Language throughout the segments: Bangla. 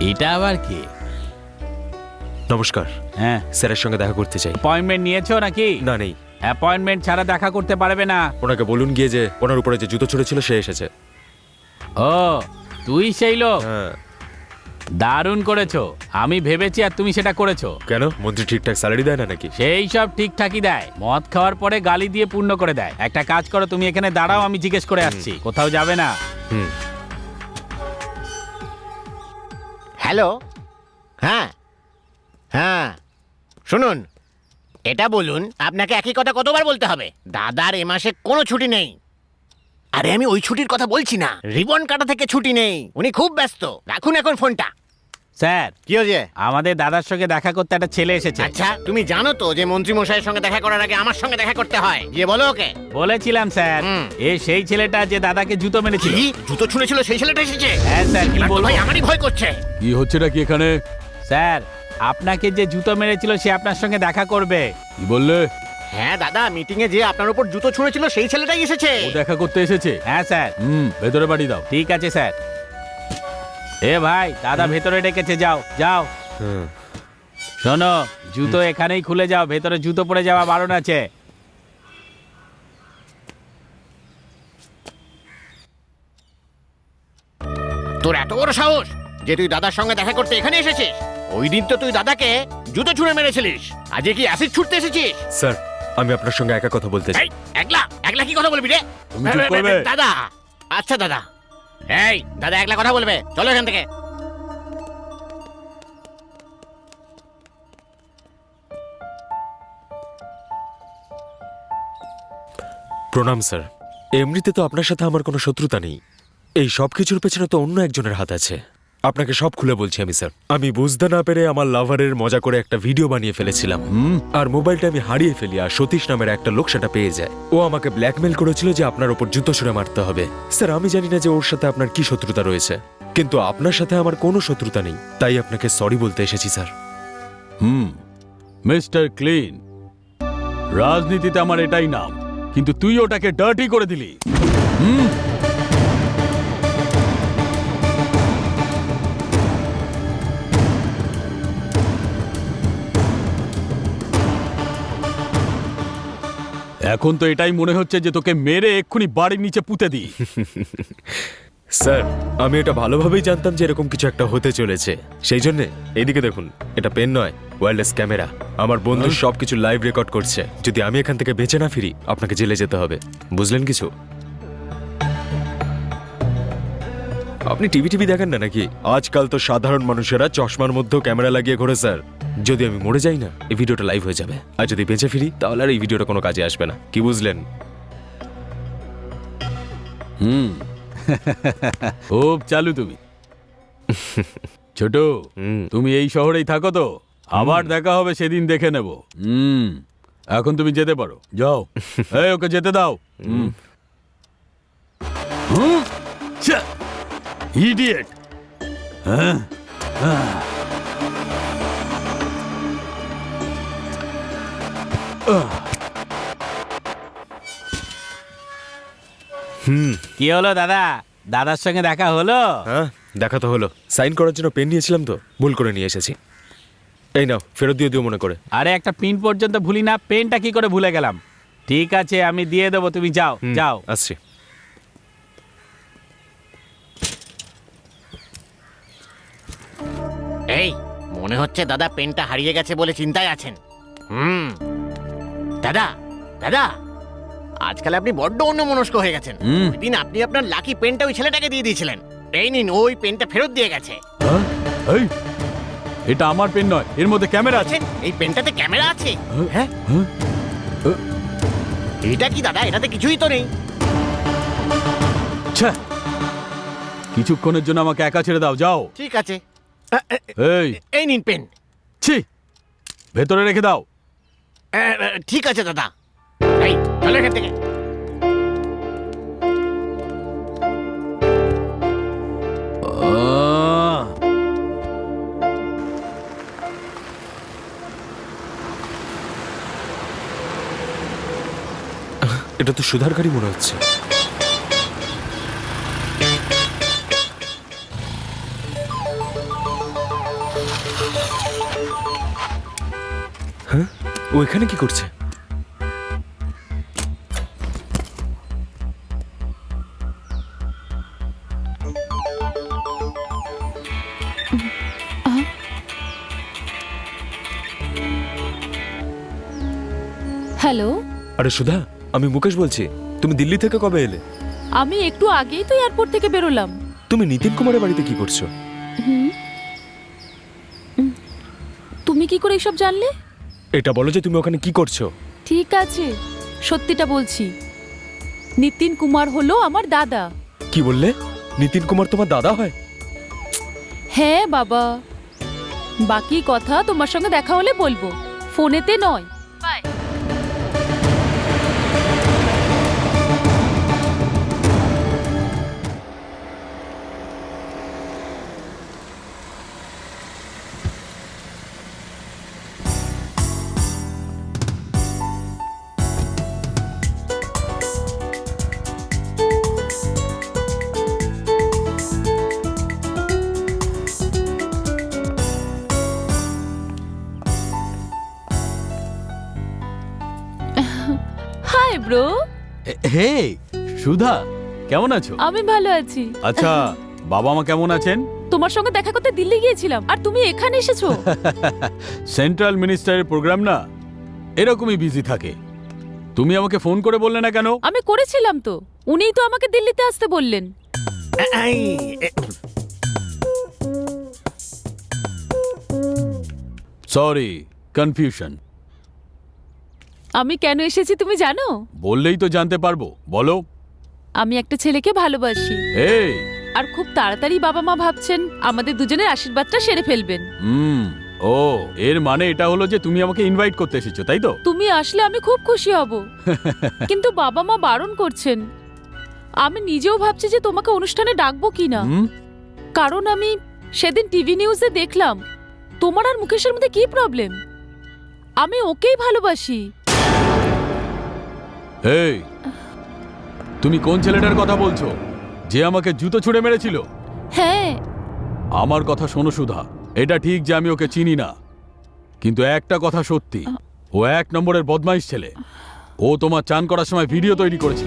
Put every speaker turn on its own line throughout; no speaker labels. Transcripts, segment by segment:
এটা আবার কি?
নমস্কার।
হ্যাঁ,
স্যারের সঙ্গে দেখা করতে চাই।
অ্যাপয়েন্টমেন্ট নিয়েছো নাকি?
না, নেই।
অ্যাপয়েন্টমেন্ট ছাড়া দেখা করতে পারবে না।
ওনাকে বলুন গিয়ে যে ওনার উপরে যে জুতো ছুঁড়েছিল সে এসেছে।
ও, তুই সেই লোক?
হ্যাঁ।
দারুণ করেছো। আমি ভেবেছি আর তুমি সেটা করেছো।
কেন, মন্ত্রী ঠিকঠাক স্যালারি দেয় না নাকি?
সেই সব ঠিকঠাকই দেয়, মদ খাওয়ার পরে গালি দিয়ে পূর্ণ করে দেয়। একটা কাজ করো, তুমি এখানে দাঁড়াও, আমি জিজ্ঞেস করে আসছি। কোথাও যাবে না।
হুম।
হ্যালো। হ্যাঁ হ্যাঁ, শুনুন, এটা বলুন, আপনাকে একই কথা কতবার বলতে হবে? দাদার এ মাসে কোনো ছুটি নেই। আরে আমি ওই ছুটির কথা বলছি না, রিবন কাটা থেকে ছুটি নেই। উনি খুব ব্যস্ত। রাখুন এখন ফোনটা।
স্যার,
কি হয়েছে?
আমাদের দাদার সঙ্গে দেখা করতে একটা ছেলে এসেছে।
আচ্ছা, তুমি জানো তো যে মন্ত্রী মশাইয়ের সঙ্গে দেখা করার আগে আমার সঙ্গে দেখা করতে হয়। গিয়ে বলো ওকে।
বলেছিলাম স্যার।
হুম।
এ সেই ছেলেটা যে দাদাকে জুতো মেরেছিল।
কি জুতো ছুঁড়েছিল সেই ছেলেটা এসেছে?
হ্যাঁ স্যার, কি
এবার তো
বলবো?
ভাই আমারই ভয় করছে।
কি হচ্ছেটা কি এখানে? স্যার, আপনাকে যে জুতো মেরেছিল সে আপনার সঙ্গে দেখা করবে। কি বললে?
হ্যাঁ দাদা, মিটিং এ যে আপনার উপর জুতো ছুঁড়েছিল সেই ছেলেটাই এসেছে।
ও দেখা করতে এসেছে? হ্যাঁ স্যার। ভেতরে পাঠিয়ে দাও। ঠিক আছে স্যার। এ ভাই, দাদা ভেতরে ডেকেছে, যাও যাও।
হুম।
শোনো, জুতো এখানেই খুলে যাও, ভেতরে জুতো পরে যাওয়া বারণ আছে।
তোর এত বড় সাহস যে তুই দাদার সঙ্গে দেখা করতে এখানে এসেছিস? ওই দিন তো তুই দাদাকে জুতো ছুঁড়ে মেরেছিলিস, আজকে কি অ্যাসিড ছুটতে এসেছিস?
স্যার, আমি আপনার সঙ্গে একা কথা বলতে চাই।
এই, একলা একলা কি কথা বলবি রে?
তুমি চুপ করবে?
দাদা, আচ্ছা দাদা। এই দাদা একলা কথা বলবে, চলো এখান থেকে।
প্রণাম স্যার। এমনিতে তো আপনার সাথে আমার কোনো শত্রুতা নেই। এই সব কিছুর পেছনে তো অন্য একজনের হাত আছে। আপনাকে সব খুলে বলছি আমি স্যার। আমি বুঝতে না পেরে আমার লাভারের মজা করে একটা ভিডিও বানিয়ে ফেলেছিলাম। আর মোবাইলটা আমি হারিয়ে ফেলি, আর সতীশ নামের একটা লোক সেটা পেয়ে যায়। ও আমাকে ব্ল্যাকমেল করেছিল যে আপনার ওপর জুতো ছুঁড়ে মারতে হবে। স্যার, আমি জানি না যে ওর সাথে আপনার কি শত্রুতা রয়েছে, কিন্তু আপনার সাথে আমার কোনো শত্রুতা নেই, তাই আপনাকে সরি বলতে এসেছি স্যার।
মিস্টার ক্লিন, রাজনীতিতে আমার এটাই নাম, কিন্তু তুই ওটাকে ডার্টি করে দিলি। এখন তো এটাই মনে হচ্ছে যে তোকে মেরে এক্ষুনি বাড়ির নিচে পুঁতে দিই।
স্যার, আমি এটা ভালোভাবেই জানতাম যে এরকম কিছু একটা হতে চলেছে, সেই জন্যে এইদিকে দেখুন, এটা পেন নয়, ওয়্যারলেস ক্যামেরা। আমার বন্ধু সবকিছু লাইভ রেকর্ড করছে। যদি আমি এখান থেকে বেঁচে না ফিরি, আপনাকে জেলে যেতে হবে, বুঝলেন কিছু? আপনি টিভি দেখেন না নাকি? আজকাল তো সাধারণ মানুষেরা চশমার মধ্যেও ক্যামেরা লাগিয়ে ঘোরে স্যার। যদি আমি মরে যাই না, এই ভিডিওটা লাইভ হয়ে যাবে, আর যদি বেঁচে ফিরি তাহলে আর এই ভিডিওটা কোনো কাজে আসবে না, কি বুঝলেন?
খুব চালু তুমি। ছোট, তুমি এই শহরেই থাকো তো? আবার দেখা হবে সেদিন, দেখে নেব। এখন তুমি যেতে পারো, যাও। এই, ওকে যেতে দাও। ইডিয়েট। কি হলো দাদা? দাদার সঙ্গে দেখা হলো?
হ্যাঁ, দেখা তো হলো। সাইন করার জন্য পেন নিয়েছিলাম তো, ভুল করে নিয়ে এসেছি। এই নাও, ফেরত দিয়ে দিও মনে করে।
আরে, একটা পিন পর্যন্ত ভুলি না, পেনটা কি করে ভুলে গেলাম? ঠিক আছে, আমি দিয়ে দেবো, তুমি যাও যাও।
আসছি।
এই, মনে হচ্ছে দাদা পেনটা হারিয়ে গেছে বলে চিন্তায় আছেন। দাদা দাদা, আজকাল আপনি বড্ড অন্যমনস্ক হয়ে গেছেন। ওই দিন আপনি আপনার লাকি পেনটা ওই ছেলেটাকে দিয়ে দিয়েছিলেন। এই নিন, ওই পেনটা ফেরত দিয়ে গেছে।
এই, এটা আমার পেন নয়, এর মধ্যে ক্যামেরা আছে।
এই পেনটাতে ক্যামেরা আছে? হ্যাঁ, এটা কি দাদা? এটাতে কিছুই তো নেই।
ছ্যা, কিছুক্ষণের জন্য আমাকে একা ছেড়ে দাও, যাও।
ঠিক আছে।
এই,
এই নিন পেন।
ছি, ভেতরে রেখে দাও।
ঠিক আছে দাদা। এই, চলো এখান থেকে।
এটা তো সুধার গাড়ি মনে হচ্ছে। ও এখানে কি করছে?
হ্যালো,
আরে সুধা, আমি মুকেশ বলছি। তুমি দিল্লি থেকে কবে এলে?
আমি একটু আগেই তো এয়ারপোর্ট থেকে বেরোলাম।
তুমি নিতিন কুমারের বাড়িতে কি করছো?
তুমি কি করে এসব জানলে?
এটা বলো যে তুমি ওখানে কি করছো।
ঠিক আছে, সত্যিটা বলছি। নিতিন কুমার হলো আমার দাদা।
কি বললে? নিতিন কুমার তোমার দাদা হয়?
হ্যাঁ বাবা, বাকি কথা তোমার সঙ্গে দেখা হলে বলবো, ফোনেতে নয়। Bye. Hi bro.
Hey Sudha, কেমন আছো?
আমি ভালো আছি।
আচ্ছা, বাবা মা কেমন আছেন?
তোমার সঙ্গে দেখা করতে দিল্লি গিয়েছিলাম, আর তুমি এখানে এসেছো।
সেন্ট্রাল মিনিস্টারের প্রোগ্রাম না, এরকমই বিজি থাকে। তুমি আমাকে ফোন করে বললে না কেন?
আমি করেছিলাম তো, উনিই তো আমাকে দিল্লিতে আসতে বললেন।
এই,
সরি, কনফিউশন।
আমি কেন এসেছি তুমি জানো?
বললেই তো জানতে পারবো, বলো।
আমি একটা ছেলেকে ভালোবাসি,
এই
আর খুব তাড়াতাড়ি বাবা মা ভাবছেন আমাদের দুজনের আশীর্বাদটা সেরে ফেলবেন।
ও, এর মানে এটা হলো যে তুমি আমাকে ইনভাইট করতে এসেছো, তাই তো?
তুমি আসলে আমি খুব খুশি হব, কিন্তু বাবা মা বারণ করছেন। আমি নিজেও ভাবছি যে তোমাকে অনুষ্ঠানে ডাকবো কিনা,
হুম?
কারণ আমি সেদিন টিভি নিউজে দেখলাম তোমার আর মুকেশের মধ্যে কি প্রবলেম। আমি ওকেই ভালোবাসি।
এই, তুমি কোন ছেলেটার কথা বলছো যে আমাকে জুতো ছুঁড়ে মেরেছিল?
হ্যাঁ,
আমার কথা শোনো সুধা, এটা ঠিক যে আমি ওকে চিনি না, কিন্তু একটা কথা সত্যি, ও 1 নম্বরের বদমাইশ ছেলে। ও তোমার চান করার সময় ভিডিও তৈরি করেছিল।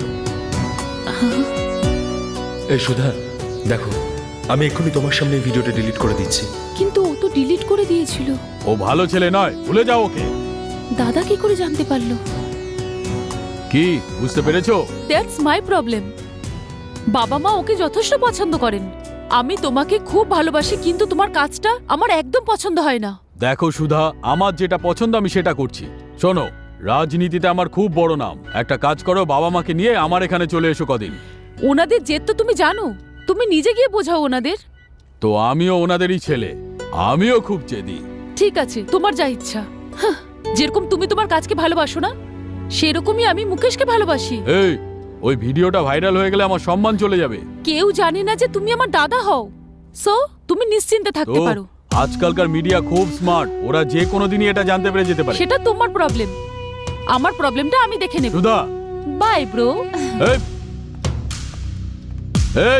এই সুধা, দেখো, আমি এক্ষুনি তোমার সামনে এই ভিডিওটা ডিলিট করে দিচ্ছি।
কিন্তু ও তো ডিলিট করে দিয়েছিল।
ও ভালো ছেলে নয়, ভুলে যাও ওকে।
দাদা কি করে জানতে পারলো?
কি বুঝতে পেরেছো?
That's my problem. বাবা মা ওকে যথেষ্ট পছন্দ করেন। আমি তোমাকে খুব ভালোবাসি, কিন্তু তোমার কাজটা আমার একদম পছন্দ হয় না।
দেখো সুধা, আমার যেটা পছন্দ আমি সেটা করছি। শোনো, রাজনীতিতে আমার খুব বড় নাম। একটা কাজ করো, বাবা মাকে নিয়ে আমার এখানে চলে এসো কদিন।
ওনাদের জেদ তো তুমি জানো, তুমি নিজে গিয়ে বোঝাও ওনাদের।
তো আমিও ওনাদেরই ছেলে, আমিও খুব জেদি।
ঠিক আছে, তোমার যা ইচ্ছা। হাহ, যেরকম তুমি তোমার কাজকে ভালোবাসো না, সেরকমই আমি মুকেশকে ভালোবাসি।
এই, ওই ভিডিওটা ভাইরাল হয়ে গেলে আমার সম্মান চলে যাবে।
কেউ জানে না যে তুমি আমার দাদা হও, সো তুমি নিশ্চিন্তে থাকতে
তো
পারো।
আজকালকার মিডিয়া খুব স্মার্ট, ওরা যে কোনো দিনই এটা জানতে পেরে যেতে পারে।
সেটা তোমার প্রবলেম, আমার প্রবলেমটা আমি দেখে নেব।
Sudha,
bye bro.
এই এই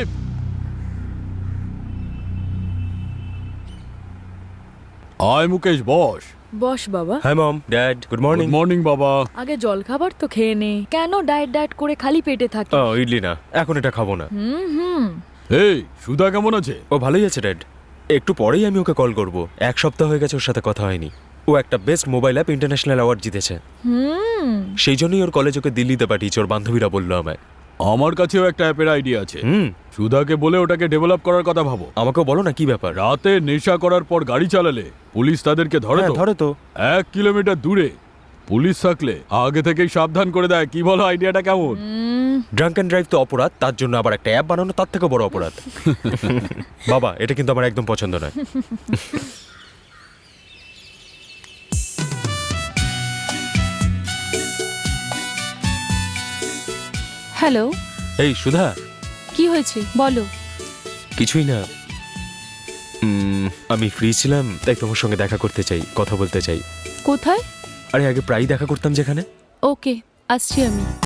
আয় মুকেশ, বস।
বস বাবা।
হ্যাঁ mom, dad, good morning.
Good morning বাবা।
আগে জল খাবার তো খেয়ে নে, কেন ডায়েট ডায়েট করে খালি পেটে থাকে?
ও ইডলি না, এখন এটা খাবো না।
হুম।
এই সুধা কেমন আছে?
ও ভালোই আছে ড্যাড। একটু পরেই আমি ওকে কল করব। 1 সপ্তাহ হয়ে গেছে ওর সাথে কথা হয়নি। ও একটা best mobile app international award জিতেছে। সেই জন্যই ওর কলেজ ওকে দিল্লিতে পাঠিয়েছে, ওর বান্ধবীরা বললো আমায়।
আমার কাছেও একটা অ্যাপের আইডিয়া আছে।
হুম,
সুধাকে বলে ওটাকে ডেভেলাপ করার কথা ভাবো।
আমাকেও বলো না কি ব্যাপার।
রাতে নেশা করার পর গাড়ি চালালে পুলিশ তাদেরকে ধরে
হ্যাঁ,
তো।
ধরে তো।
1 কিলোমিটার দূরে পুলিশ থাকলে আগে থেকেই সাবধান করে দেয়। কি বলো, আইডিয়াটা কেমন?
ড্রাঙ্ক অ্যান্ড ড্রাইভ তো অপরাধ, তার জন্য আবার একটা অ্যাপ বানানো তার থেকে বড় অপরাধ। বাবা, এটা কিন্তু আমার একদম পছন্দ নয়।
হ্যালো,
এই সুধা,
কি হয়েছে বলো।
কিছুই না। আমি ফ্রি ছিলাম, তাই তোমার সঙ্গে দেখা করতে চাই, কথা বলতে চাই।
কোথায়?
আরে আগে প্রায়ই দেখা করতাম যেখানে।
ওকে, আসছি আমি।